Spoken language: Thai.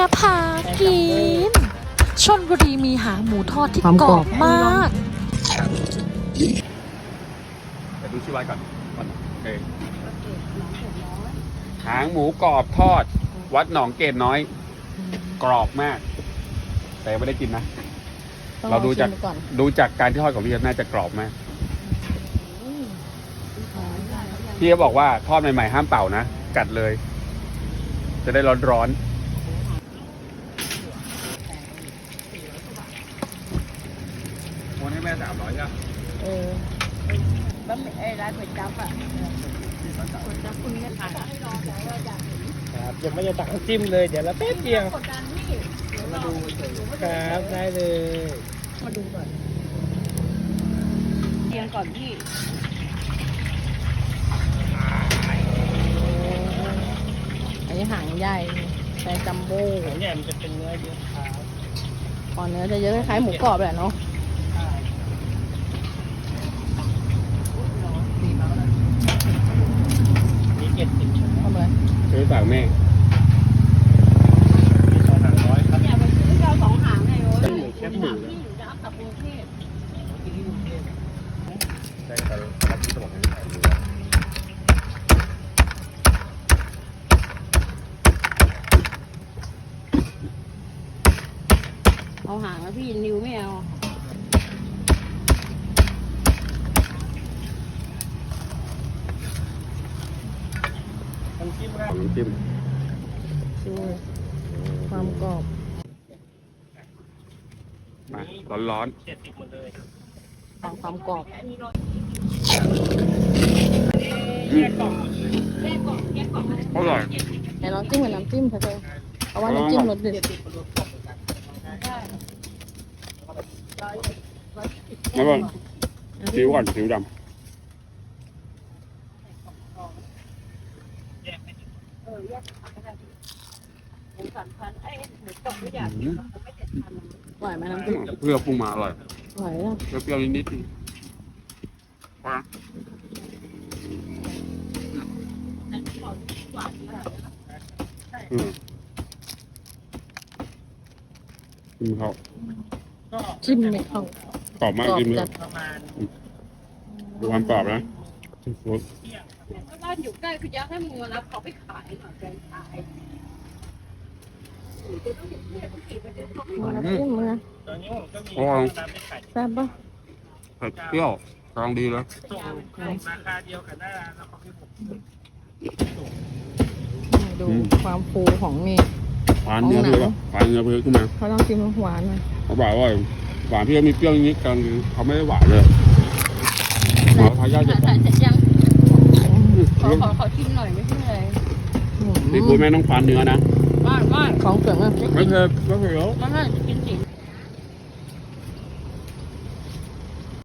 พากินชลบุรีมีหางหมูทอดที่กรอบมากเดี๋ยวดูชื่อไว้ก่อนโอเคหางหมูกรอบทอด วัดหนองเกตน้อย กรอบมาก แต่ไม่ได้กินนะ เราดูจากการที่ทอดของพี่น่าจะกรอบมากพี่เขาบอกว่าทอดใหม่ๆห้ามเป่านะ กัดเลย จะได้ร้อนๆโอนให้แม่300ใช่ไหมร้านก๋วยจั๊บอ่ะก๋วยจั๊บคุณแม่ขายให้รอแต่ว่าจะครับยังไม่จะตักน้ำจิ้มเลยเดี๋ยวเราแป๊บเดียวกดดันพี่มาดูครับได้เลยมาดูก่อนเรียงก่อนพี่อันนี้หางใหญ่ใส่จัมโบ้หางใหญ่มันจะเป็นเนื้อเยอะครับก่อนเนื้อจะเยอะคล้ายๆหมูกรอบแหละเนาะมี70 เข้ามาเลยซื้อฝากแม่มี200ครับเนี่ยไปซื้อเรา2 หางไงโอ้ยแคบหมูพี่อยู่จะเอากลับกรุงเทพได้ไปรับที่สมองให้ถ่ายดูเอาหางแล้วพี่นิวไม่เอาน้ำจิ้มครับน้ำจิ้มดูความกรอบมาร้อน 70หมดเลยความกรอบๆ อร่อยแต่ลองจิ้มกับน้ำจิ้มเถอะเธอเพราะว่าน้ำจิ้มรสเด็ดแล้วก็ซีอิ๊วก่อนซีอิ๊วดำหมู3,000ไอ้หมูกรอบไม่อยากอืมไม่7,000 อร่อยไหมน้ำจิ้มเพื่อปรุงมาอร่อยอร่อยอ่ะเปรี้ยวๆนิดๆพอนะอืมจิ้มเขาก็จิ้มเนี่ยเข้ากรอบมากกรอบจิ้มเลจัยดประมาณดูความกรอบนะบ้านอยู่ใกล้คืออยากให้มึงมารับเขาไปขายหน่อยใจขายน้ำจิ้มนะตอนนี้ผมก็มีอ๋อร้านไปขายแซ่บปะเผ็ดเปรี้ยวกำลังดีเลยส่งราคาเดียวกับหน้าร้านแล้วเขาให้ผมดูความฟูของนี่หวานเนื้อเพื่อหวานเนื้อเพื่อขึ้นมาเขาต้องจิ้มหวานหน่อยเขาบอกว่าหวานเพื่อมีเปรี้ยวนิดๆกันเขาไม่ได้หวานเลยหมอทายาทจะถ่ายเสร็จยังขอชิมหน่อยไม่ใช่เลยนี่คุณแม่ต้องฟันเนื้อนะบ้านของเสืองอ่ะไม่เผ็ดไม่เผ็ดหรอกมันน่าจะกิน